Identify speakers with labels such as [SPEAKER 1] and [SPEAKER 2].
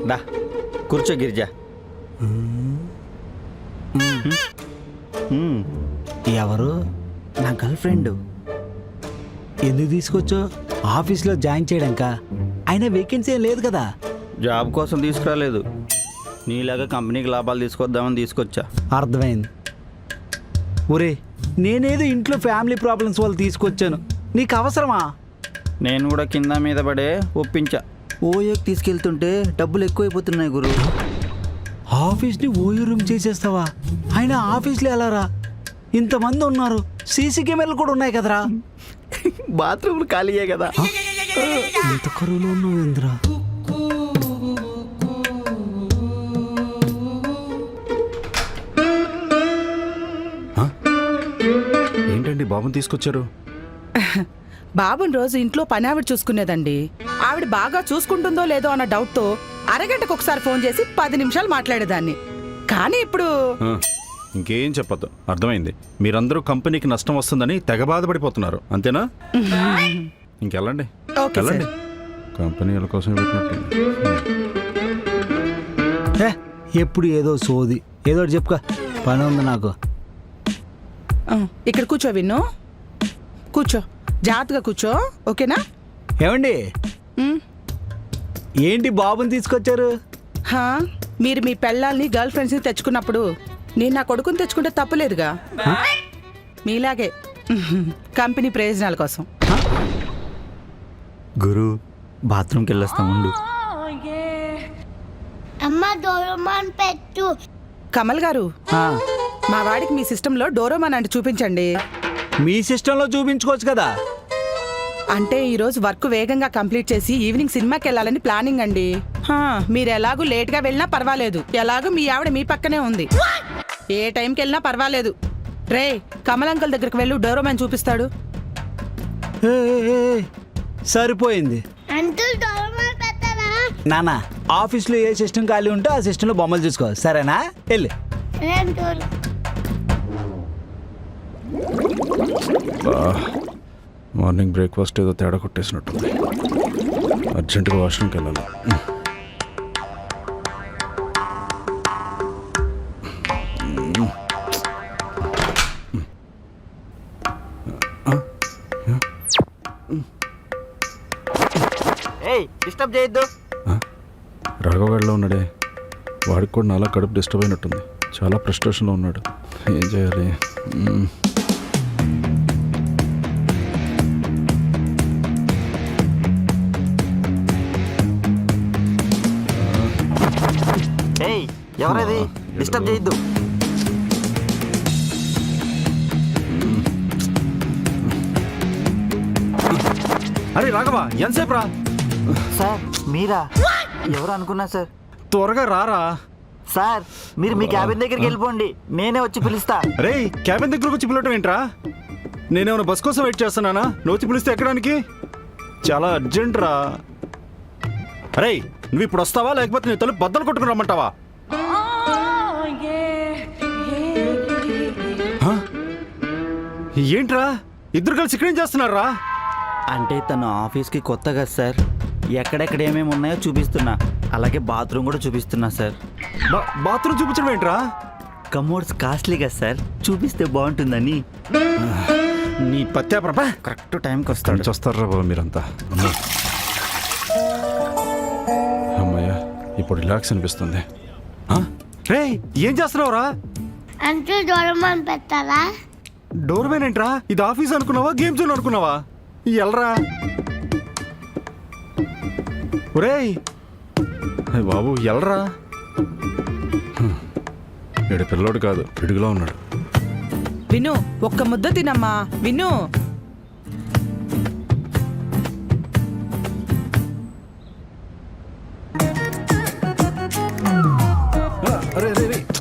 [SPEAKER 1] దా కూర్చో గిరిజా.
[SPEAKER 2] ఎవరు?
[SPEAKER 1] నా గర్ల్ ఫ్రెండ్.
[SPEAKER 2] ఎందుకు తీసుకొచ్చో? ఆఫీస్లో జాయిన్ చేయడాక. అయినా వేకెన్సీ ఏం లేదు కదా.
[SPEAKER 1] జాబ్ కోసం తీసుకురాలేదు, నీలాగా కంపెనీకి లాభాలు తీసుకొద్దామని తీసుకొచ్చా.
[SPEAKER 2] అర్థమైంది. ఒరే, నేనేదో ఇంట్లో ఫ్యామిలీ ప్రాబ్లమ్స్ వల్ల తీసుకొచ్చాను, నీకు అవసరమా?
[SPEAKER 1] నేను కూడా కింద మీద పడే ఒప్పించా. ఓయోకి తీసుకెళ్తుంటే డబ్బులు ఎక్కువైపోతున్నాయి గురు.
[SPEAKER 2] ఆఫీస్ని ఓయో రూమ్ చేసేస్తావా? అయినా ఆఫీస్లో ఎలా రా? ఇంతమంది ఉన్నారు, సీసీ కెమెరాలు కూడా ఉన్నాయి కదరా.
[SPEAKER 1] బాత్రూమ్లు ఖాళీయే కదా.
[SPEAKER 2] ఇంత కరువులో ఉన్నావు ఇంద్రా.
[SPEAKER 3] ఏంటండి బాబుని తీసుకొచ్చారు?
[SPEAKER 4] బాబుని రోజు ఇంట్లో పని ఆవిడ చూసుకునేదండి. ఆవిడ బాగా చూసుకుంటుందో లేదో అన్న డౌట్తో అరగంటకు ఒకసారి ఫోన్ చేసి 10 నిమిషాలు మాట్లాడేదాన్ని. కానీ ఇప్పుడు
[SPEAKER 3] ఇంకేం చెప్పొద్దు, అర్థమైంది. మీరందరూ కంపెనీకి నష్టం వస్తుందని తెగ బాధపడిపోతున్నారు, అంతేనా? ఇంకెళ్ళండి,
[SPEAKER 4] ఓకే
[SPEAKER 3] వెళ్ళండి.
[SPEAKER 4] సార్.
[SPEAKER 3] కంపెనీ వాళ్ళ కోసం పెట్టినట్టుంది.
[SPEAKER 2] ఎప్పుడు ఏదో సోది, ఏదో ఒకటి చెప్పుకో. పని ఉంది నాకు.
[SPEAKER 4] ఇక్కడ కూర్చో విన్ను, కూర్చో, జాగ్రత్తగా కూర్చో, ఓకేనా?
[SPEAKER 2] ఏమండి,
[SPEAKER 4] ఉమ్.
[SPEAKER 2] ఏంటి బాబుని తీసుకొచ్చారు?
[SPEAKER 4] హా, మీరు మీ పెళ్ళాల్ని గర్ల్ ఫ్రెండ్స్ని తెచ్చుకున్నప్పుడు నేను నా కొడుకుని తెచ్చుకుంటే తప్పులేదుగా. మీలాగే కంపెనీ ప్రయోజనాల కోసం.
[SPEAKER 1] గురు బాత్రూమ్కి వెళ్ళొస్తాం ఉండు.
[SPEAKER 5] అమ్మ డోరేమాన్ పెట్టు.
[SPEAKER 4] కమల్ గారు,
[SPEAKER 2] ఆ,
[SPEAKER 4] మా వాడికి మీ సిస్టంలో డోరోమాన్ అంటే చూపించండి.
[SPEAKER 2] మీ సిస్టంలో చూపించుకోవచ్చు కదా.
[SPEAKER 4] అంటే ఈరోజు వర్క్ వేగంగా కంప్లీట్ చేసి ఈవినింగ్ సినిమాకి వెళ్ళాలని ప్లానింగ్ అండి. మీరు ఎలాగూ లేట్గా వెళ్ళినా పర్వాలేదు, ఎలాగూ మీ ఆవిడ మీ పక్కనే ఉంది. ఏ టైంకి వెళ్ళినా పర్వాలేదు. రే, కమల్ అంకుల్ దగ్గరికి వెళ్ళు, డోరోమాన్ చూపిస్తాడు.
[SPEAKER 2] ఏ, ఏ, ఏ, సరిపోయింది.
[SPEAKER 5] అంకుల్ డోరేమాన్ పెట్టరా?
[SPEAKER 2] నానా, ఆఫీస్లో ఏ సిస్టమ్ ఖాళీ ఉంటే ఆ సిస్టంలో బొమ్మలు చూసుకో, సరేనా? వెళ్ళి.
[SPEAKER 5] అంకుల్
[SPEAKER 3] మార్నింగ్ బ్రేక్ఫాస్ట్ ఏదో తేడా కొట్టేసినట్టుంది. అర్జెంటుగా వాష్రూమ్కి వెళ్ళాలి.
[SPEAKER 1] ఏయ్ డిస్టర్బ్ చేయొద్దు.
[SPEAKER 3] రాఘవాడలో ఉన్నాడే, వాడికి కూడా నాలా కడుపు డిస్టర్బ్ అయినట్టుంది. చాలా ఫ్రస్ట్రేషన్లో ఉన్నాడు. ఏం చేయాలి?
[SPEAKER 1] ఏయ్ ఎవరది? డిస్టర్బ్ చేయొద్దు.
[SPEAKER 3] అరే రాఘవ, ఎంతసేపు రా?
[SPEAKER 1] సార్ మీరా? ఎవరు అనుకున్నా సార్.
[SPEAKER 3] త్వరగా రారా.
[SPEAKER 1] సార్ మీరు మీ క్యాబిన్ దగ్గరికి వెళ్ళిపోండి, నేనే వచ్చి పిలుస్తా.
[SPEAKER 3] రే, క్యాబిన్ దగ్గరకు వచ్చి పిలవటం ఏంట్రా? నేనేమైనా బస్ కోసం వెయిట్ చేస్తున్నానా? నువ్వు వచ్చి పిలిస్తే ఎక్కడానికి? చాలా అర్జెంట్ రా. అరే, నువ్వు ఇప్పుడు వస్తావా లేకపోతే నీ తలుపు బద్దలు కొట్టుకుని రమ్మంటావా? ఏంట్రా ఇద్దరు కలిసి ఇక్కడేం చేస్తున్నారా?
[SPEAKER 1] అంటే తను ఆఫీస్కి కొత్త కదా సార్, ఎక్కడెక్కడ ఏమేమి ఉన్నాయో చూపిస్తున్నా, అలాగే బాత్రూమ్ కూడా చూపిస్తున్నా సార్.
[SPEAKER 3] బాత్రూమ్ చూపించడం ఏంట్రా?
[SPEAKER 1] కమోడ్స్ కాస్ట్లీ కదా సార్, చూపిస్తే బాగుంటుందని.
[SPEAKER 3] నీ పత్యాప్రభ
[SPEAKER 1] కరెక్ట్ టైంకి వస్తాడు.
[SPEAKER 3] వస్తారా బాబు మీరంతా? అమ్మయ్యా, ఇప్పుడు రిలాక్స్ అనిపిస్తుంది. రే, ఏం చేస్తున్నావురా?
[SPEAKER 5] అంకుల్ డోరేమాన్ పెట్టారా?
[SPEAKER 3] డోర్మెన్ ఏంట్రా? ఇది ఆఫీస్ అనుకున్నావా, గేమ్ జోన్ అనుకున్నావా? ఎల్రా. ఒరేయ్ బాబు, ఎల్రా. వీడు పిల్లోడు కాదు, పిడుగులో ఉన్నాడు.
[SPEAKER 4] విను, ఒక్క ముద్ద తినమ్మా. విను.